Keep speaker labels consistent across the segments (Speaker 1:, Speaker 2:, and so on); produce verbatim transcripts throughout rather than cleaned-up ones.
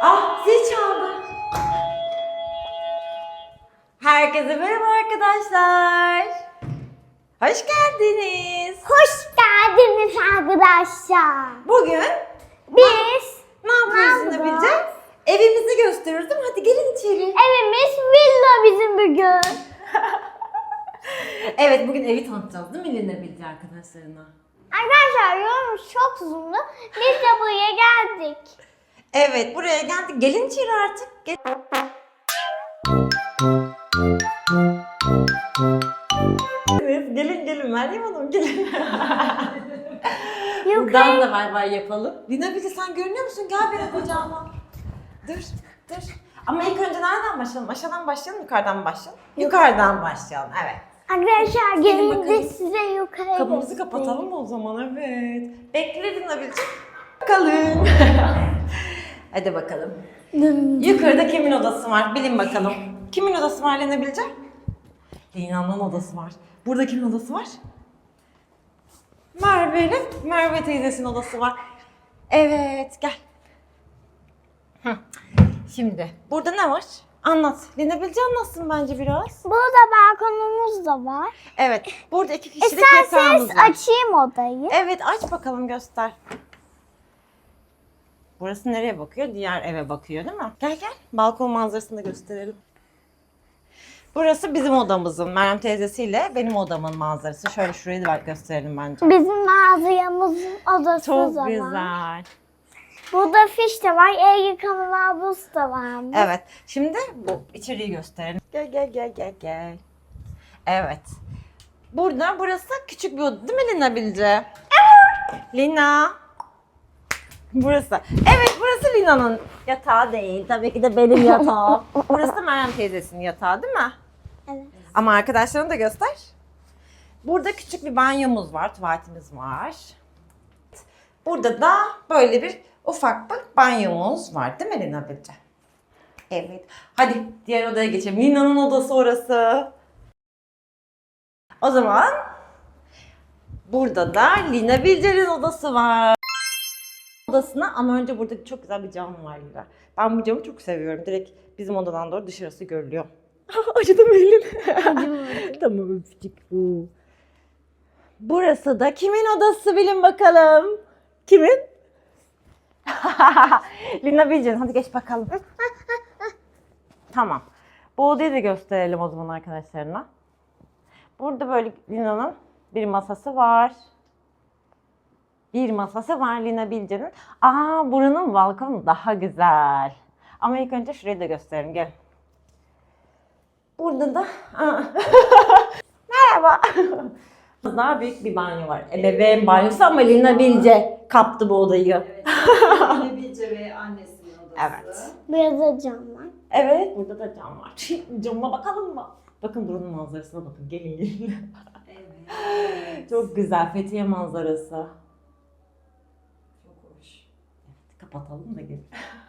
Speaker 1: Ah, zil çaldı. Herkese merhaba arkadaşlar. Hoş geldiniz.
Speaker 2: Hoş geldiniz arkadaşlar.
Speaker 1: Bugün
Speaker 2: Biz
Speaker 1: ne yapıyoruz
Speaker 2: Ne
Speaker 1: Yine
Speaker 2: yapacağız?
Speaker 1: Bilce? Evimizi gösteriyoruz değil mi? Hadi gelin içeri.
Speaker 2: evimiz villa bizim bugün.
Speaker 1: Evet, bugün evi tanıtacağız değil mi Yine Bilce arkadaşlarına?
Speaker 2: Arkadaşlar yolumuz çok uzundu. Biz de buraya geldik.
Speaker 1: Evet, buraya geldik. Gelin içeri artık. Gel. Evet, gelin gelin Meryem Hanım gelin. Buradan da bay bay yapalım. Lina Bilge sen görünüyor musun? Gel benim kucağıma. Dur, dur. Ama ilk önce nereden başlayalım? Aşağıdan başlayalım, yukarıdan mı başlayalım? Yukarıdan başlayalım, evet.
Speaker 2: Arkadaşlar
Speaker 1: Gelin
Speaker 2: gelince
Speaker 1: bakalım.
Speaker 2: size yukarı
Speaker 1: Kapımızı
Speaker 2: göstereyim.
Speaker 1: kapatalım mı o zaman? Evet. Bekle Lina Bilge. Bakalım. Hadi bakalım. Yukarıda kimin odası var? Bilin bakalım. Kimin odası var Lina Bilge? Lina'nın odası var. Burada kimin odası var? Merve'nin, Merve teyzesinin odası var. Evet, gel. Hı. Şimdi, burada ne var? Anlat. Lina Bilge anlatsın bence biraz.
Speaker 2: Burada balkonumuz da var.
Speaker 1: Evet, burada iki kişilik yatağımız
Speaker 2: İsterseniz
Speaker 1: var.
Speaker 2: açayım odayı.
Speaker 1: Evet, aç bakalım göster. Burası nereye bakıyor? Diğer eve bakıyor değil mi? Gel gel, balkon manzarasını da gösterelim. Burası bizim odamızın, Meryem teyzesiyle benim odamın manzarası. Şöyle şurayı da gösterelim bence.
Speaker 2: Bizim mağazamızın odası
Speaker 1: Çok
Speaker 2: da var.
Speaker 1: güzel.
Speaker 2: Burada fiş de var, el yıkama lavabos da var.
Speaker 1: Evet, şimdi bu içeriği gösterelim. Gel gel gel gel gel. Evet. Burada, burası küçük bir oda değil mi Lina Bilge? Evet. Lina. Burası. Evet, burası Lina'nın yatağı değil. Tabii ki de benim yatağım. Burası da Meryem teyzesinin yatağı değil mi?
Speaker 2: Evet.
Speaker 1: Ama arkadaşlarına da göster. Burada küçük bir banyomuz var, tuvaletimiz var. Burada da böyle bir ufak bir banyomuz var değil mi Lina Bilge? Evet. Hadi diğer odaya geçelim. Lina'nın odası orası. O zaman burada da Lina Bilge'nin odası var. Odasına ama önce burada çok güzel bir cam var Lina. Ben bu camı çok seviyorum. Direkt bizim odadan doğru dışarısı görülüyor. Acıdı mı elim? Tamam öpücük bu. Burası da kimin odası bilin bakalım. Kimin? Lina Bilge'nin. Hadi geç bakalım. Tamam. Bu odayı da gösterelim o zaman arkadaşlarına. Burada böyle Lina'nın bir masası var. Bir masası var Lina Bilge'nin. Aa, buranın balkonu daha güzel. Ama ilk önce şurayı da gösterelim. Gel. Burada da... Merhaba. Daha büyük bir banyo var. Ebeveyn banyosu ama Lina Bilge kaptı bu odayı.
Speaker 3: Evet. Lina Bilge ve annesinin odası.
Speaker 1: Evet.
Speaker 2: Burada da cam var.
Speaker 1: Evet, burada da cam var. Camına bakalım mı? Bakın buranın manzarasına bakın. Gelin gelin.
Speaker 3: Evet.
Speaker 1: Çok güzel Fethiye manzarası.
Speaker 3: Çok hoş.
Speaker 1: Evet, kapatalım da gelin.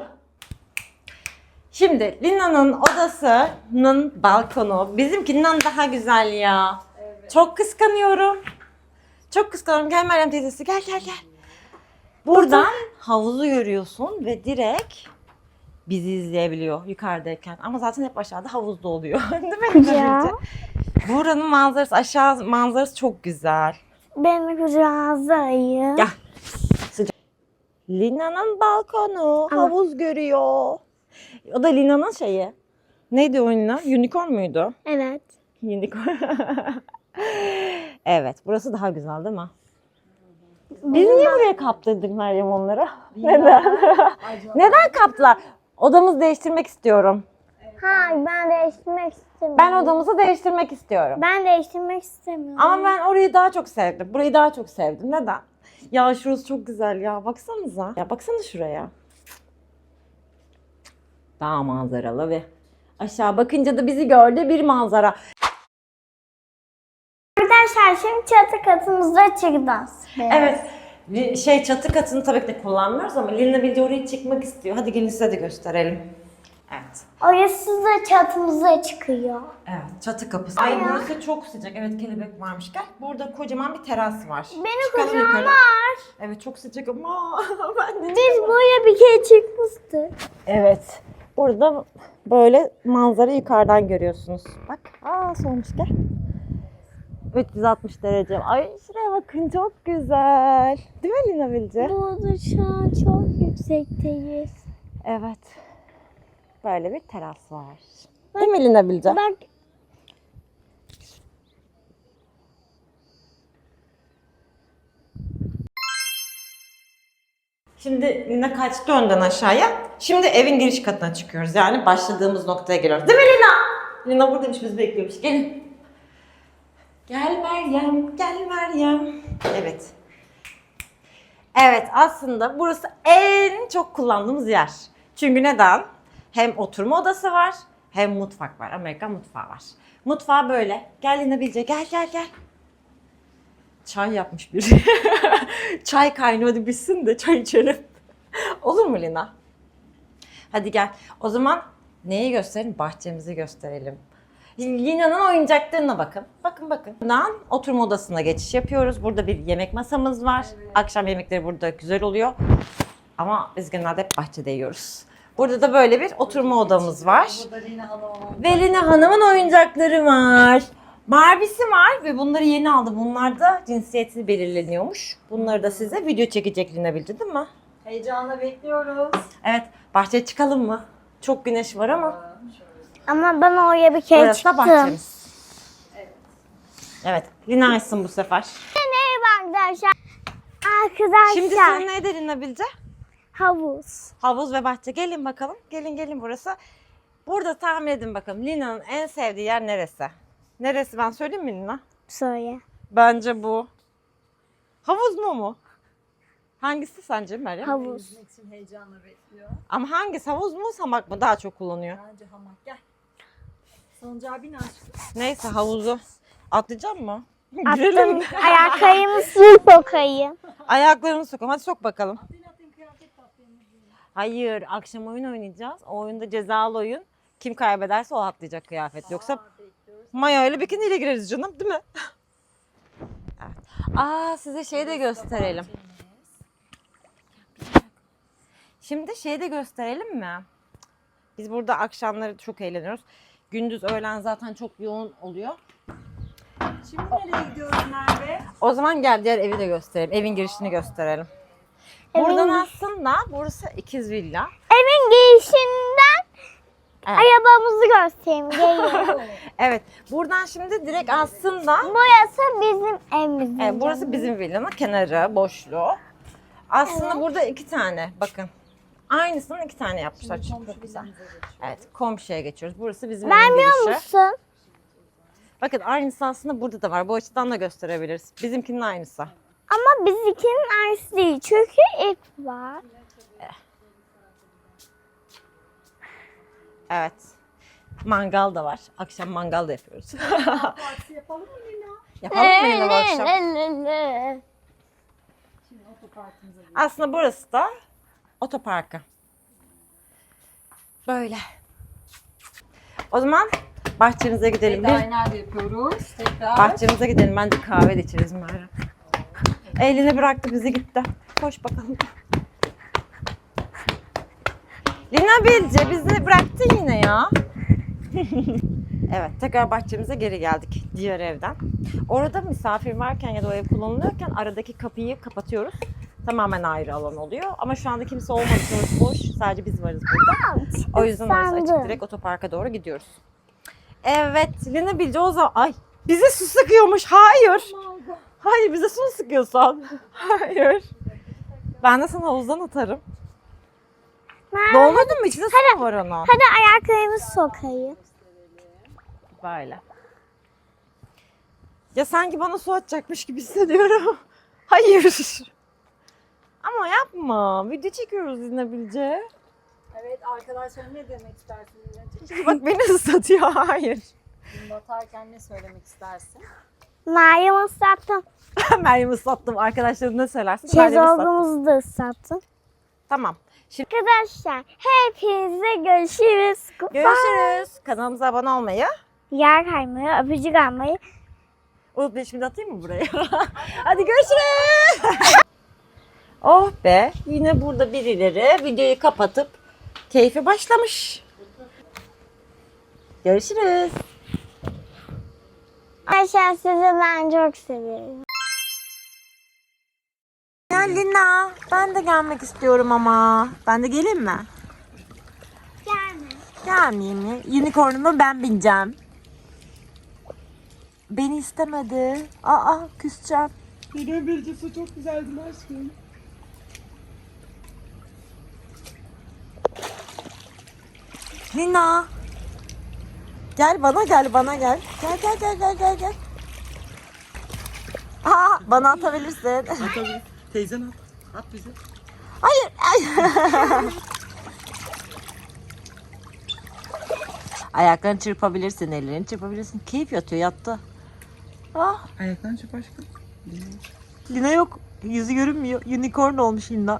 Speaker 1: Şimdi Lina'nın odasının balkonu bizimkinden daha güzel ya.
Speaker 3: Evet.
Speaker 1: Çok kıskanıyorum. Çok kıskanıyorum. Gel Meryem teyzesi gel gel gel. Buradan havuzu görüyorsun ve direkt bizi izleyebiliyor yukarıdayken. Ama zaten hep aşağıda havuzda oluyor. Değil mi?
Speaker 2: Ya.
Speaker 1: Buranın manzarası, aşağı manzarası çok güzel.
Speaker 2: Benim kucağınıza ayı.
Speaker 1: Gel. Sıcak. Lina'nın balkonu
Speaker 2: Ama-
Speaker 1: havuz görüyor. O da Lina'nın şeyi. Neydi o Lina? Unicorn muydu?
Speaker 2: Evet.
Speaker 1: Unicorn. Evet, burası daha güzel değil mi? Biz niye buraya kaptırdık Meryem onları? Neden? Neden kaptılar? Odamızı değiştirmek istiyorum.
Speaker 2: Hayır, ben değiştirmek istemiyorum.
Speaker 1: Ben odamızı değiştirmek istiyorum.
Speaker 2: Ben değiştirmek istemiyorum.
Speaker 1: Ama ben orayı daha çok sevdim. Burayı daha çok sevdim. Neden? Ya şurası çok güzel ya. Baksanıza. Ya baksana şuraya. Dağ manzaralı ve aşağı bakınca da bizi gördü bir manzara.
Speaker 2: Arkadaşlar şimdi çatı katımızda çıkacağız.
Speaker 1: Evet. Bir Şey çatı katını tabii ki de kullanmıyoruz ama Lina Bilge oraya çıkmak istiyor. Hadi gelin size de gösterelim. Evet.
Speaker 2: Orası da çatımıza çıkıyor.
Speaker 1: Evet, çatı kapısı. Ay burası çok sıcak. Evet, kelebek varmış. Gel. Burada kocaman bir teras var.
Speaker 2: Benim
Speaker 1: Çıkalım
Speaker 2: kucağım
Speaker 1: yukarı.
Speaker 2: var.
Speaker 1: Evet, çok sıcak ama ben de
Speaker 2: Biz buraya bir kere çıkmıştık.
Speaker 1: Evet. Burada böyle manzara yukarıdan görüyorsunuz. Bak. Aa sonuç gel. üç yüz altmış derece. Ay şuraya bakın çok güzel. Değil mi Lina Bilge?
Speaker 2: Burada şu an çok yüksekteyiz.
Speaker 1: Evet. Böyle bir teras var. Değil mi Lina Bilge?
Speaker 2: Bak
Speaker 1: Şimdi Lina kaçtı önden aşağıya. Şimdi evin giriş katına çıkıyoruz. Yani başladığımız noktaya geliyoruz. Değil mi Lina? Lina buradaymış, bizi bekliyormuş. Gelin. Gel Meryem, gel Meryem. Evet. Evet, aslında burası en çok kullandığımız yer. Çünkü neden? Hem oturma odası var, hem mutfak var. Amerikan mutfağı var. Mutfağı böyle. Gel Lina Bilge, gel gel gel. Çay yapmış biri. Çay kaynıyordu, bitsin de çay içelim. Olur mu Lina? Hadi gel. O zaman neyi gösterelim? Bahçemizi gösterelim. Lina'nın oyuncaklarına bakın. Bakın bakın. Buradan oturma odasına geçiş yapıyoruz. Burada bir yemek masamız var.
Speaker 3: Evet.
Speaker 1: Akşam yemekleri burada güzel oluyor. Ama biz genelde hep bahçede yiyoruz. Burada da böyle bir oturma odamız var.
Speaker 3: Burada Lina Hanım.
Speaker 1: Ve Lina Hanım'ın oyuncakları var. Barbie'si var ve bunları yeni aldı. Bunlar da cinsiyeti belirleniyormuş. Bunları da size video çekecek Lina Bilge, değil mi?
Speaker 3: Heyecanla bekliyoruz.
Speaker 1: Evet, bahçeye çıkalım mı? Çok güneş var ama.
Speaker 3: Şöyle.
Speaker 2: ama ben oraya bir kere
Speaker 1: Burası da
Speaker 2: çıktım.
Speaker 1: bahçemiz.
Speaker 3: Evet.
Speaker 1: Evet, Lina açsın bu sefer.
Speaker 2: Merhaba arkadaşlar. Arkadaşlar.
Speaker 1: Şimdi sizin neydi Lina Bilge?
Speaker 2: Havuz.
Speaker 1: Havuz ve bahçe. Gelin bakalım. Gelin gelin burası. Burada tahmin edin bakalım. Lina'nın en sevdiği yer neresi? Neresi, ben söyleyeyim mi Lina?
Speaker 2: Söyle.
Speaker 1: Bence bu. Havuz mu mu? Hangisi sence Meryem?
Speaker 2: Havuz.
Speaker 3: Yüzmek için heyecanla bekliyor.
Speaker 1: Ama hangisi, havuz mu hamak mı daha çok kullanıyor?
Speaker 3: Bence hamak. Gel. Salıncağa bin aşkım.
Speaker 1: Neyse, havuzu. Atlayacak mı?
Speaker 2: Attım.
Speaker 1: Girelim.
Speaker 2: Ayaklarımı su sokayım.
Speaker 1: Ayaklarını sokalım. Hadi sok bakalım.
Speaker 3: Atlayın atlayın, kıyafet de atlayın.
Speaker 1: Hayır, akşam oyun oynayacağız. O oyunda cezalı oyun. Kim kaybederse o atlayacak kıyafet. Yoksa
Speaker 3: Aa, bekliyoruz.
Speaker 1: Maya ile bikiniyle gireriz canım, değil mi? Evet. Aa, size şeyi de gösterelim. Şimdi şeyi de gösterelim mi? Biz burada akşamları çok eğleniyoruz. Gündüz öğlen zaten çok yoğun oluyor.
Speaker 3: Şimdi nereye gidiyoruz Merve?
Speaker 1: O zaman gel diğer evi de gösterelim. Evin girişini gösterelim.
Speaker 2: Evin
Speaker 1: Buradan
Speaker 2: gir-
Speaker 1: aslında burası ikiz villa.
Speaker 2: Evin girişinden
Speaker 1: Evet.
Speaker 2: arabamızı göstereyim. Gelin.
Speaker 1: Evet. Buradan şimdi direkt aslında
Speaker 2: Burası bizim evimiz.
Speaker 1: evet, burası bizim villanın kenarı, boşluğu. Aslında burada iki tane, bakın. Aynısından iki tane yapmışlar.
Speaker 3: Şimdi
Speaker 1: Çok
Speaker 3: komşu
Speaker 1: güzel.
Speaker 3: villamıza geçiyoruz.
Speaker 1: Evet, komşuya geçiyoruz. Burası bizim evin
Speaker 2: Vermiyor
Speaker 1: girişi.
Speaker 2: musun?
Speaker 1: Bakın aynısı aslında burada da var. Bu açıdan da gösterebiliriz. Bizimkinin aynısı.
Speaker 2: Ama bizimkinin aynısı değil. Çünkü ip var.
Speaker 1: Evet. Mangal da var. Akşam mangal da yapıyoruz.
Speaker 3: Partisi yapalım mı Lina?
Speaker 1: Yapalım mı yine bu akşam?
Speaker 3: Şimdi otoparkımıza gidiyoruz.
Speaker 1: Aslında burası da otoparkı. Böyle. O zaman bahçemize gidelim.
Speaker 3: Veda'yı
Speaker 1: Bir
Speaker 3: nerede yapıyoruz? Tekrar.
Speaker 1: bahçemize gidelim. Bence kahve de içeriz Meryem. Elini bıraktı, bizi gitti. Koş bakalım. Lina Bilge bizi bıraktı yine ya. Evet, tekrar bahçemize geri geldik diğer evden. Orada misafir varken ya da o ev kullanılıyorken aradaki kapıyı kapatıyoruz. Tamamen ayrı alan oluyor. Ama şu anda kimse olmadı. Orası boş. Sadece biz varız burada. O yüzden orası açık.
Speaker 2: Sandım.
Speaker 1: Direkt otoparka doğru gidiyoruz. Evet, Lina Bilge o zaman... Ay, bize su sıkıyormuş. Hayır. Hayır, bize su mu sıkıyorsun? Hayır. Ben de sana havuzdan atarım. Dolmadın mı? İçinde su mu var onun?
Speaker 2: Hadi ayaklarımızı sokayım.
Speaker 1: Böyle. Ya sanki bana su atacakmış gibi hissediyorum. Hayır. Ama yapma. Video çekiyoruz Lina Bilge.
Speaker 3: Evet arkadaşlar, ne demek istersin Lina'cığım?
Speaker 1: Bak beni ıslatıyor. Hayır.
Speaker 3: Gün batarken ne söylemek istersin?
Speaker 2: Meryem ıslattım.
Speaker 1: Meryem ıslattım. Arkadaşlarım ne söylersin? Meryem ıslattım.
Speaker 2: Şezlongumuzu da ıslattım.
Speaker 1: Tamam.
Speaker 2: Arkadaşlar hepinize görüşürüz. Goodbye.
Speaker 1: Görüşürüz. Kanalımıza abone olmayı.
Speaker 2: Yer kaymayı, öpücük almayı.
Speaker 1: Unutmayın, şimdi atayım mı buraya? Hadi görüşürüz. Oh be. Yine burada birileri videoyu kapatıp keyfi başlamış. Görüşürüz.
Speaker 2: Arkadaşlar sizi ben çok seviyorum.
Speaker 1: Ya Lina, ben de gelmek istiyorum ama. Ben de geleyim mi?
Speaker 2: Gelme.
Speaker 1: Gelmeyeyim mi? Unicorn'uma ben bineceğim. Beni istemedi. Aa, küseceğim.
Speaker 4: Neden Birce çok güzeldin aşkım.
Speaker 1: Lina. Gel bana gel bana gel. Gel gel gel gel gel gel. Aa, bana atabilirsin.
Speaker 4: Atabilir. Teyzen at. At bize.
Speaker 1: Hayır. Hayır. Ayaklarını çırpabilirsin, ellerini çırpabilirsin. Keyif yatıyor, yattı. Ah,
Speaker 4: Ayaklarını çırp aşkım.
Speaker 1: Lina yok. Yüzü görünmüyor. Unicorn olmuş Lina.